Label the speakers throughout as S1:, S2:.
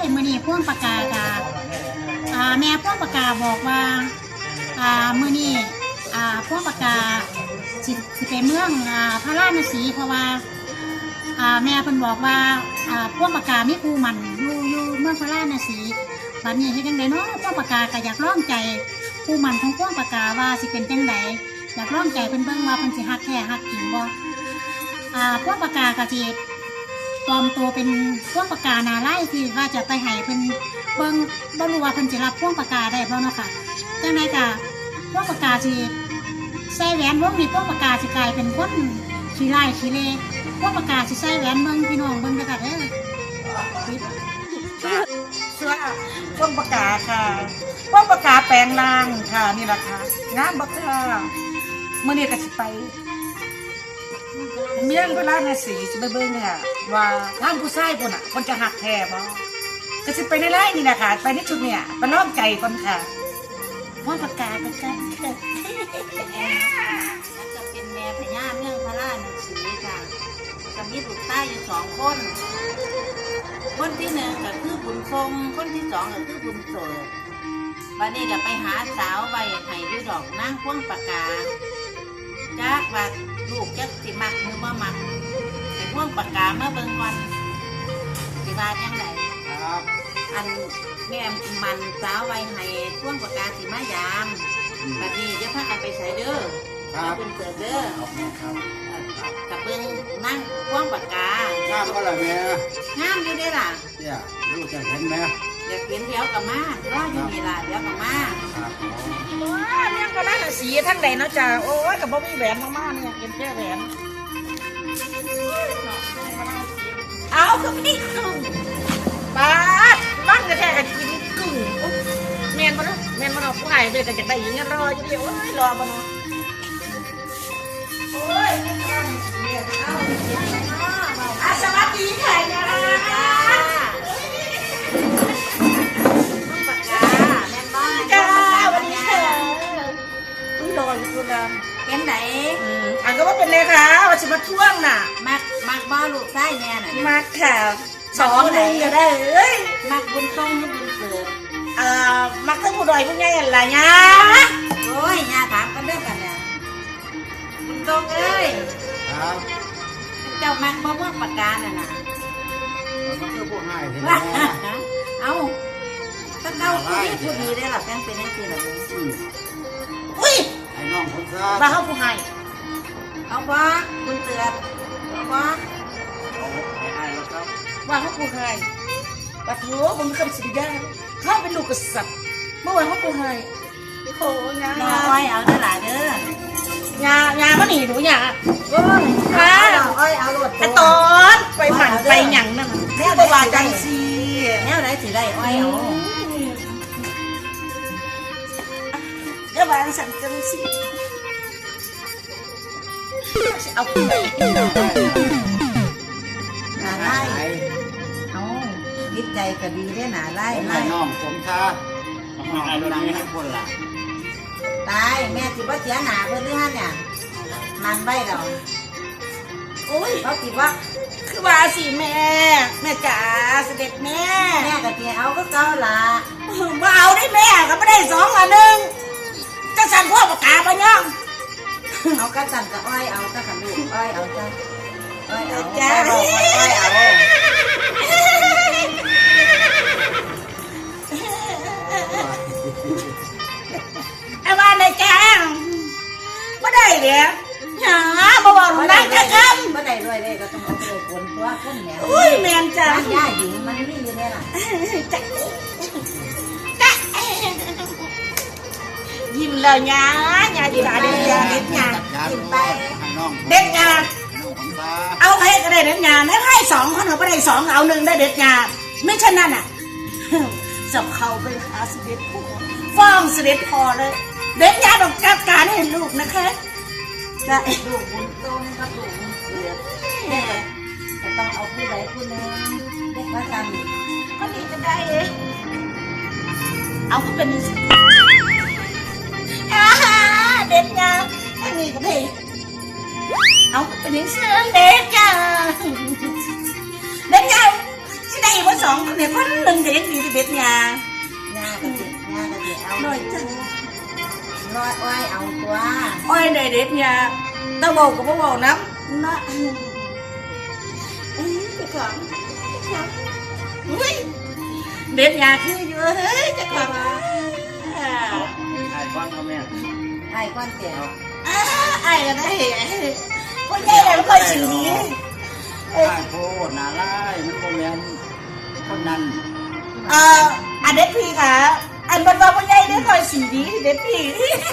S1: มื้อนี้พ่วงปากกากะแม่พ่วงปากกาบอกว่ามื้อนี้พ่วงปากกาสิไปเมืองพระราชสีเพราะว่าแม่เพิ่นบอกว่าพ่วงปากกามีครูมันอยู่เมืองพระราชสีบัดนี้เฮ็ดจังไดเนาะพ่วงปากกาก็อยากลองใจครูมันของพ่วงปากกาว่าสิเป็นจังไดอยากลองใจเพิ่นเบิ่งว่าเพิ่นสิฮักแท้ฮักจริงบ่พ่วงปากกาก็สิปลอมตัวเป็นพ่วงปากกาหน้าไล่ที่ว่าจะไปให้เพิ่นเบิ่งบ่รู้ว่าเพิ่นสิรับพ่วงปากกาได้บ่เนาะค่ะจังไดก็พ่วงปากกาสิใส่แหวนวงนี้พ่วงปากกาสิกลายเป็นคนขี้ไล่ขี้เล่พ่วงปากกาสิใส่แหวนเบิ่งพี่น้องเบิ่งเด้อค่ะเด้อ
S2: เสื้อพ่วงปากกาค่ะพ่วงปากกาแปลงร่างค่ะนี่แหละค่ะงามบักค่ะมื้อนี้ก็สิไปเมียงพระราชสีสิไปเบิ่งเนี่ยว่าทางผู้ชายพุ่นน่ะคนจะหักแท้บ่ก็สิไปในไร่นี่นะคะไปในชุดเนี่ยไปล้อมใจคนค่ะพ่วงปากกาเป็นกัน
S3: แล้วจะเป็นแม่พญาเมืองพระราชสีค่ะจะมีลูกใต้อยู่2 คนคนที่1ก็คือบุญทรงคนที่2ก็คือบุญเสิร์บัดนี้ก็ไปหาสาวไว้ให้อยู่ดอกนางพ่วงปากกาจักว่าลูกจักสิมักหรือบ่มักให้พ่วงปากกามาเบิ่งก่อนสิว่าจังได
S4: ครับ
S3: อันแม่มันสาวไว้ให้พ่วงปากกาสิมายามบัดนี้จะพากันไปใส่เด้อแล้วเป็นเกิดเด้อกับเบิ่งนั่งพ่วงปากกา
S4: ทราบก็เลยแม่
S3: งามอยู่เด้ล่ะ
S4: เนี่ยลูกจะเห็นไหม
S3: อยากเห็นเดี๋ยวกับมารออยู่นี่ล่ะเดี๋ยวกับมา
S4: ครับ
S2: ว้าเมียงพระราชสีทั้งใดเนาะจ้าโอ้ยก็บ่มีแหวนมากๆเนี่ยเป็นแค่แหวนเอาคือมีกุ้งป้าดบ้านแท้ๆก็กินกุ้งแม่นบ่เนาะแม่นบ่เนาะผู้ใหญ่เด้อก็จะได้ยิงรออยู่เดียวโอ้ยรอบ่เนาะโอ้ยเอาเสียงไหนเนาะสวัสดีค่ะยา
S3: ปากกาแม่บ้าน
S2: จ้าวันนี้ค่ะอุ้ยรออยู่คุณนะ
S3: เป็นไหน
S2: อันก็ว่าเป็นเลยค่ะว่าจะมาท่วงน่ะ
S3: มักบ่ลูกใต้แม่น่ะ
S2: มาค่ะ2 นึงก็ได้เอ้ย
S3: มักบุญทรงหรือบุญเสิร์
S2: มักทั้งผู้ดอยผู้ใหญ่อะไรเงี้ย
S3: โอ้ยย่าถามกันเรื่องกันเนี่ยบุญทรงเอ้ย
S4: ครับ
S3: เจ้ามักบ่ม่วงปากกาน่ะนะ
S4: มันก็ผู้ให้เห็นไหม
S3: เอาถ้าเก้าผู้ดีได้หรอแฟนเป็นยังไงล่ะ
S2: อุ้ย
S4: ไอ้น้องผมซะ
S2: มาเข้าผู้ให้
S3: เอาบ่คุณเตือนเอาบ่
S4: ไม่ให้แล้วครับ
S2: ว่าเข้าผู้ให้ปะโถผมเคยเป็นสิริยาเขาเป็นลูกกษัตริย์เมื่อวานเขาผู้ให้โอ้ยงา
S3: น้อ้อยเอาเด้อล่ะเด้
S2: งามาหนีหนูงาโอ้ยค่ะ
S3: อ้อยเอาโลด
S2: ไอตอนไปหมั่นไปหยั่งนั่นแม่บอกว่าจังซี
S3: แนวไหนสิได้อ้อยเอา
S2: เดี๋ยววางสั่งจังซีเอาไป
S3: หนาไล่เอาจิตใจก็ดีได้หนาไล่
S4: ไอ้
S3: ไล่
S4: น้องผมซะน้องคนนั้นให้คนละ
S3: ตายแม่สิบ่เสียหนาเพิ่นหรือฮะเนี่ยมันไว้ดอก
S2: โอ้ย
S3: เขาสิว่า
S2: คือว่าสิแม่จ๋าเสด็จแม่
S3: แม่ก็สิเอาก็เก่าล่ะ
S2: มาเอาได้แม่ก็ไม่ได้2 อันหนึ่งจะสั่นพวกปากกาปะย่อง
S3: เอากระสันกับอ้อยเอากระสันลูกอ้อยเอาจ้ะอ้อยเอา
S2: จ้า
S3: อ้อยเอา
S2: ไอ้บ้านในแกงไม่ได้เดี๋ยวหามาบอกหนูได้แค่ค
S3: บ่ได้ด้วยเลยก็ต้องเอาไปคนตัวคนแหน
S2: ำอุ้ยแมนจ้า
S3: ร้านย่าหญิงมันมีอยู่เนี่ยล่ะ
S2: จ๊ะยิ้มเลยยาดีหลาเด็ดยาเด็ดยา
S4: กินไปให้น้อง
S2: เด็ดยา
S4: น้องผมซะ
S2: เอาให้ก็ได้เด็ดยาไม่ให้2 คนเอาไปได้2เอา1ได้เด็ดยาไม่เช่นนั้นอ่ะจับเขาไปหาเสด็จพ่อฟ้องเสด็จพอเลยเด็ดยาต้องจัดการให้ลูกนะคะได้
S3: ลูกบุญโตนี่ก็ลูกบุญเสือแม่ก็ต้องเอาผู้ใดผู้หนึ่งเด็กว่ากัน
S2: ก็ดีจะได้เองเอาก็เป็นเด็ดยาอันนี้ก็ได้เอาก็เป็นเสื้อเด็ดยาเด็ดยาสิได้ว่าสองคนเนี่ยคนหนึ่งจะยังดีที่เบ็ดยา
S3: หน้ากระติเอา
S2: หน่อยจัง
S3: น้อยอ้อยเอาตัว
S2: อ้อยได้เด็ดยาตาเบากับบ่เบาน้ำนะจะของอุ้ยเด็ดยาคืออยู่เฮ้ยจะของ
S4: ไอ้ฟังเขาแม่
S3: ไอ้ก้อนเตี๋ยว
S2: ไอ้ก็ได้คนใหญ่เลยค่อยสีนี้
S4: ไอ้โคตรน่าไล่มันโคแมนคนนั้น
S2: อันเด็ดพี่ค่ะอันบรรดาคนใหญ่ได้ค่อยสีนี้เด็ดพี่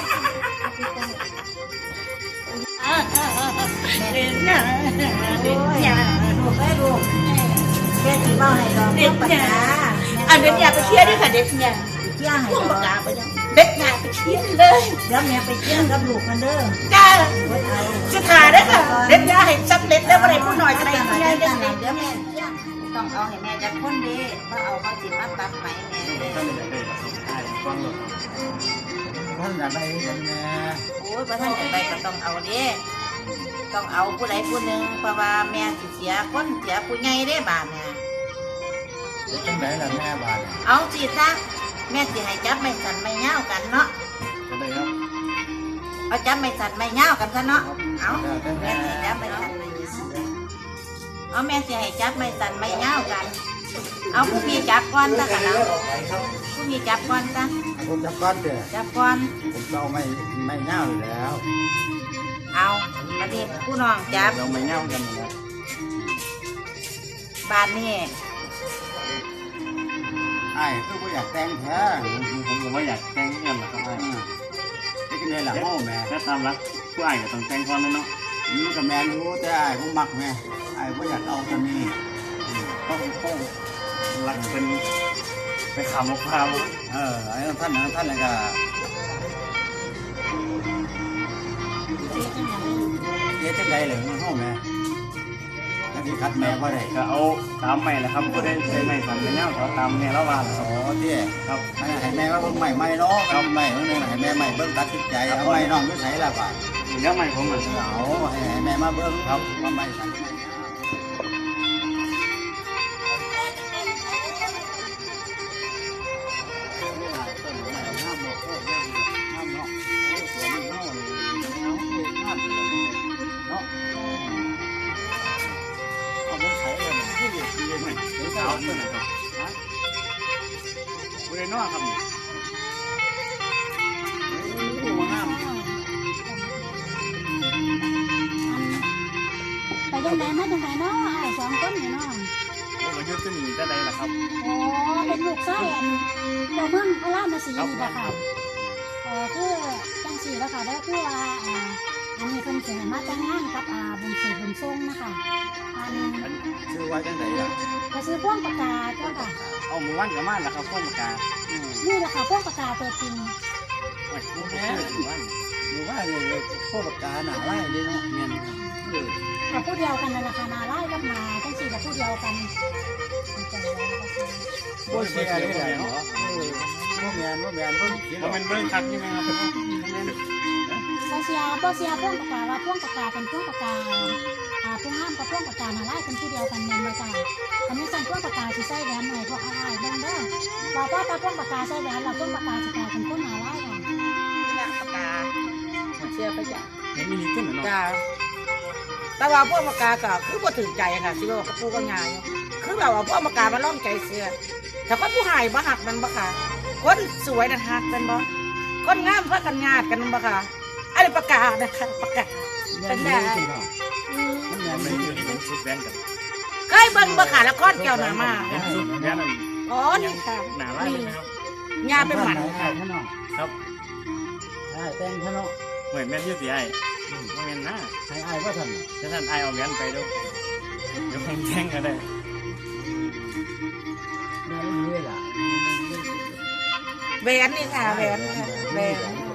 S2: เด็ดยาเด็ดยา
S3: ลูกไอ้ลูกแค่ที่เบ้าให้ดอก
S2: เด็ด
S3: ปาก
S2: ยาก
S3: า
S2: อันเด็ดยาไปเที่ยวด้วยค่ะเด็ดยา
S3: เที่ยงให้
S2: พุ่ง
S3: ดอ
S2: ปาก กกาไปยังเด็ดยาไปเที่ยวเลย
S3: เดี๋ยวแม่ไปเที่ยงกับลูกมันเด้อ
S2: จ้า
S3: ไว้เอา
S2: สุดท้ายได้ค่ะเด็ดยาให้สำเร็จแล้วอะไรพูดหน่อยก็ได้
S3: เดี๋
S2: ที่ได้เด็ด
S3: ยวแม่เที่ยงต้องเอาให้แม่จะคนเด้ว่าเอาเขาสิมาตัดไหมแม่เด้
S4: ท่านอยากได้ไอ้ฟังหรอกท่านอยากได้กันแม่
S3: โอ้ยพระท่านอย่างไรก็ต้องเอาเด้ต้องเอาผู้ใดผู้หนึ่งเพราะว่าแม่สิเสียคนเสียผู้ใหญ่ได้บาทเนี่ย
S4: จังไหนล่ะแม่บาด
S3: เอาสิซะแม่สิให้จับไม่สั่นไม่เงากันเนาะ
S4: จะได้ครับ
S3: เอาจับไม่สั่นไม่เงากันซะเนาะเอาแม่สิจับไม่สั่นไม่เงาเอาแม่สิให้จับไม่สั่นไม่เงากัน เอาผู้พี่จับก่อนซะกันเอาผู้พี่จับก่อนซะ
S4: ผมจับก้อนเด้อ
S3: จับก่อน
S4: ผมจะเอาไม่เง่าอยู่แล้ว
S3: เอาประเดี๋ยวผู้น้องจับ
S4: เราไม่เง่ากันนะ
S3: บานนี่
S4: ไอ้คือผมอยากแต่งแท้
S5: ผมก็ไม่อยากแต่งเงินหรอกครับ
S4: นี่ก็เนี่ยหลังโม่แม่
S5: แค่ตามรักผู้อ้ายก็ต้องแต่งก่อนเลยเนาะ
S4: นี่ก็แม่รู้แต่ไอ้ผมมักแม่ไอ้ผมอยากเอาคนนี้
S5: ต้องรักเป็นไปขำมะพร้าว
S4: ไอ้ท่านอะไรก็เจ๊จังใดเลยมันห้องแม่แล้วที่คัดแม่ว่าได้
S5: ก็เอาตามใหม่แหละครับก็ได้ใช้ใหม่สั่งไปแล้วเขาตามเนี่ยแล้วว่า
S4: อ๋อเจ๊
S5: ครับ
S4: ให้แม่ว่าเบิ่งใหม่ใหม่เนาะเอาใหม่เบิ่งให้แม่ใหม่เบิ่งตัดสินใจเอาใหม่น้องก็ใช้ละป่ะ
S5: เดี๋ยวใหม่ผมอ่ะ
S4: เอาให้แม่มาเบิ่งครับว่าใหม่สั่ง
S5: สาวตัวไหนครับบริเวณนอกครับ
S1: ไปยังไงมาจังไงเนาะไอ้สองคนนี่เนาะ
S5: ผมก็ยืดขึ้นหนีได้เลยล่ะครับ
S1: โอ้เป็นลูกไส้อันเจ้าเมืองพระราชสีนี่แหละค่ะคือจังสีแล้วค่ะแล้วคือว่าอันนี้เป็นเสียมาแต่งงานกับบุญสืบบุญทรงนะคะอัน
S4: ชื่อว่าจังไดล่ะ
S1: ก็ซื้อพ่วงปากกาเจ้าค่ะ
S5: เอามือวันกับม่านล่ะครับพ่อมากา
S1: นี่แหละค่ะพ่วงปากกาตัวจริง
S5: โอ้ยมือวัน
S4: หรือว่าเลยพวกปากกาหนาไล่เลยเนาะเมียน
S1: กับผู้เดียวกันนั่นแหละค่ะนาไล่กับนาจังสีกับผู้เดียวกัน
S4: โอ้ยเสียเลยเนาะพวกเมียนพวกเขียน
S5: แล้วมันเบิ้งคักใช่ไหมครับ
S1: บ่เสียพ่วงปากกาว่าพ่วงปากกาเป็นพ่วงปากกาพ่วงห้ามกับพ่วงปากกานาไล่เป็นผู้เดียวกันแม่นบ่จ้าทำให้สั่นพ่วงปากกาสิใส่แหวนหน่อยพวกอ้ายเบิ่งเด้อว่าพ่อตาพ่วงปากกาใส่แหวนเราพ่วงปากกาสิกลายเป็นคนนาไล่ค่ะ
S2: ปากกาเชื่อไปจ้ะ
S5: เห็นมินิขึ้นเหรอเนาะ
S2: จ้าแต่ว่าพวกปากกาก็คือบ่ถึงใจค่ะสิว่ากับปูก็ง่ายคือแบบว่าพวกปากกามาล่อมใจเสือแต่คนผู้หายบ่หักมันบ่ค่ะคนสวยนั่นหักกันบ่คนงามเพื่อกันงาดกันบ่ค่ะอันนี้ปากกานะคะปากกาเป็นได้
S5: มันยังไม่อยู่นี่เป็นชุดแว่นกับ
S2: เคยเบิ่งบ่ค่ะละครแก้วหนามา
S5: เป็นชุดแว่นนั่น
S2: อ๋อนี่ค่ะ
S5: หนาไล่ไหมครับ
S2: ยาเป็นหมัน
S4: ไอ้ท่านน้อง
S5: ครับ
S4: ไอ้แต่งท่านน้อง
S5: เหมือนแม่ที่เสียไอ้ไม่เป็นนะ
S4: ให้ไอ้ว่าท่าน
S5: ถ้าท่านไอ้เอาแว่นไปดูเดี๋ยวผมแจ้งก็ได้
S4: แม่รู้เลยล่ะ
S2: แหวนนี่ค่ะแหวนค่ะแหวน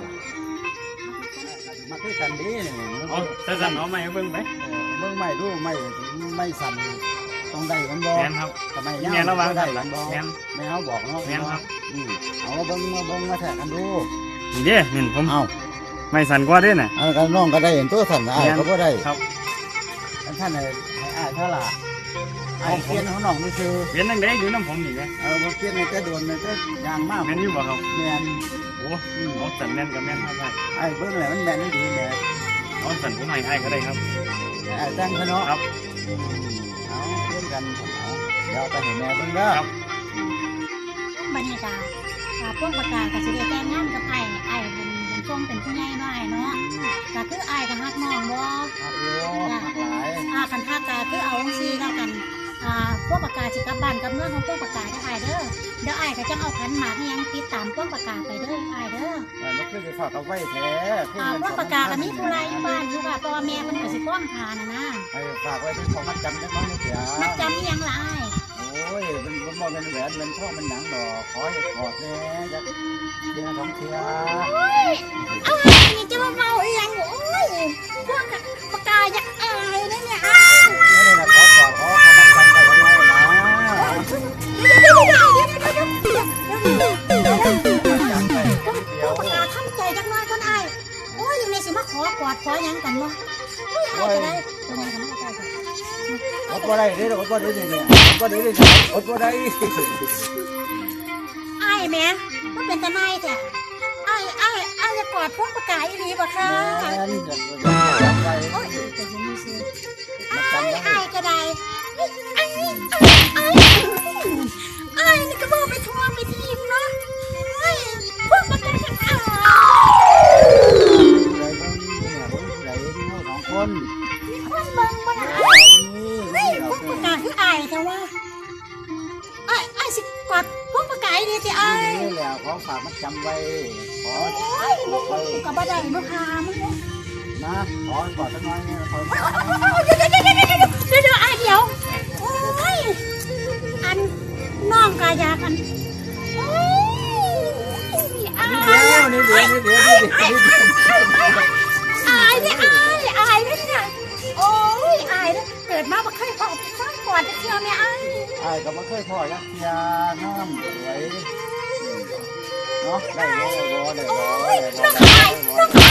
S4: มาคุยกันดีเนี่ย
S5: เอาถ้าท่านเอาไม่เบิ้งไหม
S4: เบิ่งไม่ดูไม่สั่นต้องได้กันบ่
S5: แม่นครับ
S4: ทำไม
S5: แม่นระวัง
S4: ได้
S5: กันหลั
S4: กั
S5: ง
S4: นบ่
S5: แม่น
S4: แม่เขาบอกเนาะ
S5: แม่นครับ
S4: เอามาเบิ่งมาแทกกันดู
S5: นี่เด้เห็นผม
S4: เอา
S5: ไม่สั่นกว่าเด้น่ะ
S4: เอากันน้องก็ได้เห็นตัวสั่นไอ้ก็บ่ได้
S5: ครับ
S4: ท่านให้อ้ายเท่าล่ะไอ้เพี้ยนเขาหนองนี่คือ
S5: เปลี่ยนนั่งได้อยู่น้ำผมนี่ไง
S4: บ่เพี้ยนในแต่โดนในแต่ยางมาก
S5: แม่นอยู่บ่ครับ
S4: แม่น
S5: โอ้เอาสันแม่นกับแม่นครับ
S4: ไอ้เบิ่งแล้วมันแม่นดีแม่
S5: เอาสันผมให้ก็ได้ครับ
S4: ไอ้แต่งเขาเนาะ
S5: ครับ
S4: เอาเพื่อนกันเอาเดี๋ยวไปให้แม่เบิ่งเด้อ
S5: ครับ
S1: บรรยากาศพวกประกาศกับสิได้แต่งงานกับไอ้บุญทรงเป็นผู้ใหญ่น้อยเนาะก็คือไอ้กับฮักน้องบ่
S4: ครับโยมหลาย
S1: คันฮักก็คือเอาจังซี่แล้วกันพวกประกาศสิกลับบ้านกลับเมืองของพวกประกาศได้ไอ้เด้อเดี๋ยวไอ้ก็จะเอาขันหมากยังติดตามพวกประกาศไปเด้อไอ้เด้อ
S4: มันคือจะฝากเอาไว้แท้
S1: พวกประกาศก็มีผู้ไรอยู่บ้านอยู่ค่ะเพราะว่าแม่มันก็สิป้องทานนะ
S4: ให้ฝากไว้เป็นของมัดจำจังน้อยเสีย
S1: มันจำอีหยังล่ะไอ้
S4: โอ้ยมันบ่เป็นแหวนเป็นทองเป็นหนังดอกขอให้กอดแน่จะเดือน2เทื่อ
S1: เอาไงนี่จะมาเมาอีหยังโอ้ยพวกประกาศอยากอายนะเนี่ย
S4: นี่นะขอกอดขอมัดจำไว้ไว้นะ
S1: พวกประกาศทำใจจักน้อยคนอายโอ้ยยังไงสิมาขอกอดขอหยังกันวะโอ้ยอายจะได้ทำไมทำไมก็ได้
S4: อดบ่ได้เด้ออดบ่ได้เนี่ยอดบ่ได้เด้ออดบ่ได้
S1: อายแม่มันเป็นตาหนายแต่อายจะกอดพวกประกาศอีหลีบ่คะ
S4: แม่นจะไป
S1: โอ้ยแต่ยังไม่ซื้อ
S4: มัดจำไว้
S1: อายก็ได้อายนี่ก็บอกไปทัวร์ไปทีมเนาะพวกประกาศจะอาย
S4: เลยต้องเนี่ยผมไหลนี่สองคน
S1: มีคนเบิ่งบ่ล่ะ
S4: นี่
S1: พวกประกาศคืออายแต่ว่าอายสิกอดพวกประกาศดีสิอาย
S4: นี่แหละของฝากมัดจำไว้ขอ
S1: โอ้ยมึงกับบ่ได้มึงพามึงเนี่ย
S4: นะขอกอดสักน้อยเนี่ยขอ
S1: เดี๋ยวอายเดี๋ยวโอ้ยอันน้องกายากันโอ้ยอาย
S4: นี่เดี๋ยว
S1: อายเนี่ยโอ้ยอายเนี่ยเกิดมาบ่เคยพอไปฟังก่อนจะเชื่อแม่อาย
S4: ไอ้ก็ไม่เคยพ่อยักยาน้ำไหลเนาะได้บ่ได้บ่ได้บ่
S1: น้องอาย